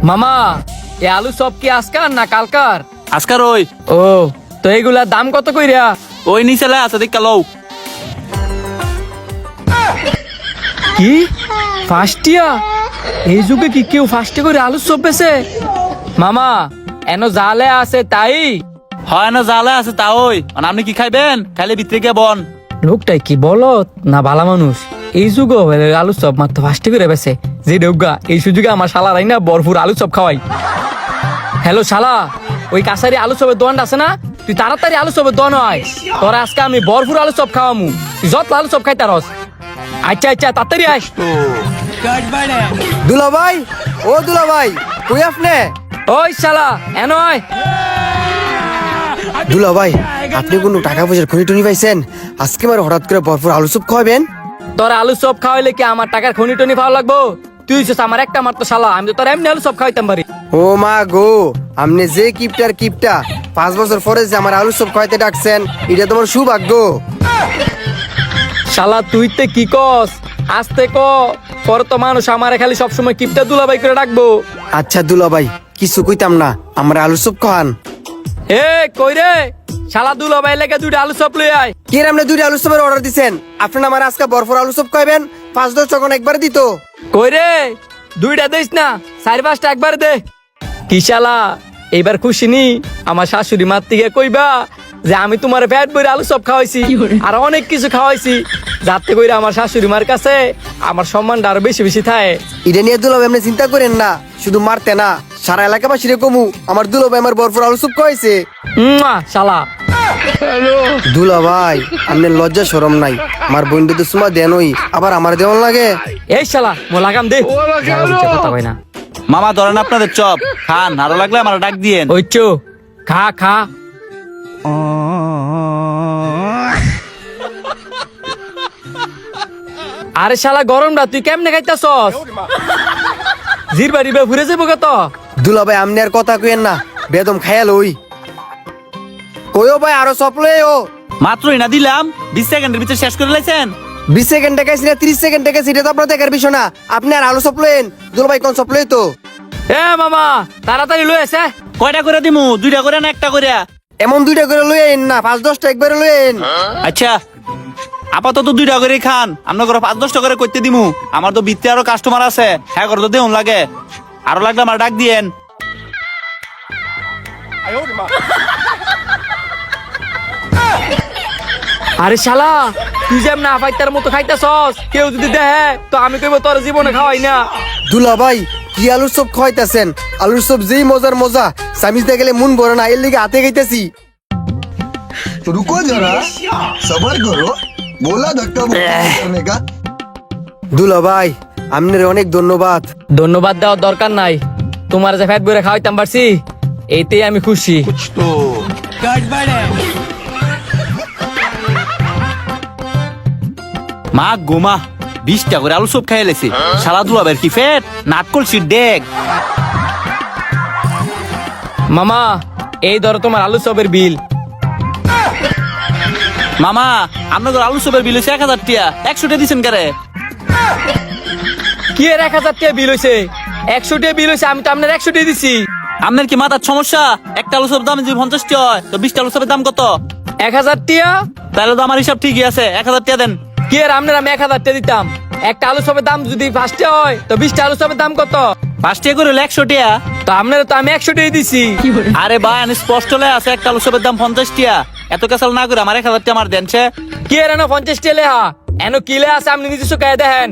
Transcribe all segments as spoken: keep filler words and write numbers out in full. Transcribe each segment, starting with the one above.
মামা এ আলু সব কি আজকার না কালকার? আজকার ওই ও তো এইগুলার দাম কত কইরা? ওই নিচেলে আছে দেখ লও। কি ফাস্টিয়া? এই যুগে কি কেউ ফাস্টে করে আলু সব বেছে? মামা এনো জালে আছে তাই? হয় না জালে আছে তা ওই মানে আপনি কি খাইবেন? খাইলে ভিতরে গিয়ে বন। লোকটাই কি বলত না ভালা মানুষ? এই যুগে আলু সব মাত্র ফাস্টে করে বেছে যে ডেউগা এই সুযোগে আমার শালারাই না ভরপুর আলু সব খাওয়াই। হ্যালো শালা, ওই কাছারি আলু সবের দোকানটা আছে না, তুই তাড়াতাড়ি আলু সবের দোকান হয়। তোর আজকে আমি ভরপুর আলু সব খাওয়ামু, তুই যত আলু সব খাই তারস। আচ্ছা আচ্ছা তাড়াতাড়ি আস। দুলা ভাই, ও দুলা ভাই, কই আপনি? ওই শালা এন হয়। দুলা ভাই, আপনি কোনো টাকা পয়সার খনি টনি পাইছেন? আজকে আমার হঠাৎ করে ভরপুর আলু চপ খাওয়াবেন? তোর আলু সব খাওয়াইলে কি আমার টাকার খনি টনি পাওয়া লাগবো? তুই হচ্ছিস আমার একটা মাত্র শালা, আমি তো তোর এমনি আলু সব খাওয়াইতাম পারি। ও মা গো, আপনি যে কিপটার কিপটা পাঁচ বছর পরে যে আমার আলু চপ খাওয়াইতে ডাকছেন, এটা তোমার সৌভাগ্য। শালা তুই তে কি কস? আস্তে ক, পরে তো মানুষ আমারে খালি সবসময় কিপটা দুলাবাই করে ডাকবো। আচ্ছা দুলা ভাই, কিছু কইতাম না, আমার আলু চপ খাওয়ান। এ কই রে শালা, দুলাবাই লেগে দুইটা আলু চপ লই আয়। কে রে, আপনি দুইটা আলু চপের অর্ডার দিছেন? আপনার আমার আজকে ভরপুর আলু চপ খাইবেন, পাঁচ দশ যখন একবার দিত। কই রে, দুইটা দিস না, চার পাঁচটা একবার দে। কি শালা এইবার খুশি নি? আমার শাশুড়ি মার থেকে কইবা যে আমি তোমার পেট ভরে আলু চপ খাওয়াইছি আর অনেক কিছু খাওয়াইছি, যাতে কইরা আমার শাশুড়ি মার কাছে আমার সম্মানটা আরো বেশি বেশি থাকে। এটা নিয়ে দুলা ভাই আপনি চিন্তা করেন না, শুধু মারতে না, সারা এলাকাবাসীরে কমু আমার দুলা ভাই আমার ভরপুর আলু চপ খাওয়াইছে। উম্মা, শালা দুলা ভাই, আপনার লজ্জা শরম নাই? আমার বন্ধু তো সুমা দেনই, আবার আমার দেওয়ান লাগে। এই শালা মো লাগাম দে, যারা বুঝছে কথা কয় না। মামা ধরেন আপনাদের চপ খান, আরো লাগলে আমার ডাক দিয়েন। ওই চো খা খা। আরে শালা গরমটা তুই কেমনে খাইতাছস? জিরবা রিবা ঘুরে যাবো কত? দুলা ভাই আপনি আর কথা কইেন না, বেদম খায়াল ওই কইও ভাই আরো চপ লই ও। মাত্রই না দিলাম, বিশ সেকেন্ডের ভিতরে শেষ করে লাইছেন। বিশ সেকেন্ড টাকাইছি না ত্রিশ সেকেন্ড টাকাইছি, এটা তো আপনার দেখার বিষয় না। আপনি আর আলু চপ লইন, দুলা ভাই কোন চপ লই তো? এ মামা তাড়াতাড়ি লই এসে। কয়টা করে দিমু? দুইটা করে না একটা করে? এমন দুইটা করে লইন না, পাঁচ দশটা একবারে লইন। আচ্ছা আপাতত দুইটা করে খান, আপনার করে পাঁচ দশটা করে করতে দিমু। আমার তো ভিতরে আরো কাস্টমার আছে, হ্যাঁ করে তো দেউন লাগে, আরো লাগলে আমার ডাক দিয়েন। আরে শালা তুই যেম না ফাইতার মতো খাইতাছস, কেউ যদি দেখে তো আমি কইব তোর জীবনে খাওয়াই না। দুলা ভাই কি আলুর চপ খাওয়াইতেছেন? আলুর চপ যেই মজার মজা, সামিজতে গেলে মন ভরে না, এর লিগে হাতে খাইতেছি। रुको जरा, सबर करो, बोला धक्का मुक्की करने का। দুলা ভাই আপনার অনেক ধন্যবাদ। ধন্যবাদ দেওয়ার দরকার নাই, তোমার যে ফ্যাট বইরে খাওয়াইতাম পারছি এইতেই আমি খুশি। মা গোমা বিশটা করে আলু সব খাইয়ে লেছে, সারা দুয়াবের কি ফেট নাট করছি ডেক। মামা এই ধরো তোমার আলু চপের বিল। মামা আপনাদের আলু সবের বিল হয়েছে এক হাজার টিয়া, একশো টিয়া দিচ্ছেন কারে? কি এর এক হাজার টাকা বিল হয়েছে? একশো টাকা বিল হয়েছে, আমি তো আপনার একশো টাকা দিছি। আপনার কি মাথার সমস্যা? একটা আলু সবের দাম যদি পঞ্চাশ টিয়া হয় তো বিশটা আলু সবের দাম কত? এক হাজার টাকা? তাহলে তো আমার হিসাব ঠিকই আছে, এক হাজার টিয়া দেন। কি এর আপনার আমি এক হাজার টাকা দিতাম, একটা আলু চপের দাম যদি পাঁচটা হয় তো বিশটা আলু চপের দাম কত? পাঁচ টিয়া করে হলে একশো টিয়া। তো আপনার তো আমি একশো টাকা দিছি। আরে ভাই আমি স্পষ্ট লে আছে একটা আলু সবের দাম পঞ্চাশ টিয়া, এত কাছাল না করে আমার এক হাজার টিয়া আমার দেনছে। কি এর এনো পঞ্চাশ টাকা লেহা, এনো কি লে আছে আপনি নিজস্ব কে দেখেন।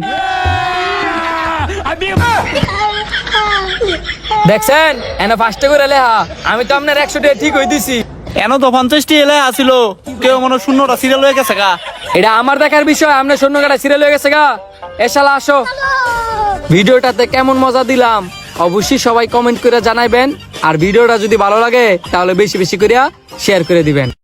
দেখছেন এনো পাঁচটা করে লেহা, আমি তো আপনার একশো টাকা ঠিক হয়ে দিছি। এন তো পঞ্চাশ টিয়া এলে আসিল, কেউ মনে হয় শূন্যটা সিরিয়াল হয়ে গেছে গা। এটা আমার দেখার বিষয়, আপনার শূন্য কাটা সিরিয়াল হয়ে গেছে গা। এ শালা আসো, ভিডিওটাতে কেমন মজা দিলাম অবশ্যই সবাই কমেন্ট করে জানাইবেন, আর ভিডিওটা যদি ভালো লাগে তাহলে বেশি বেশি করে শেয়ার করে দিবেন।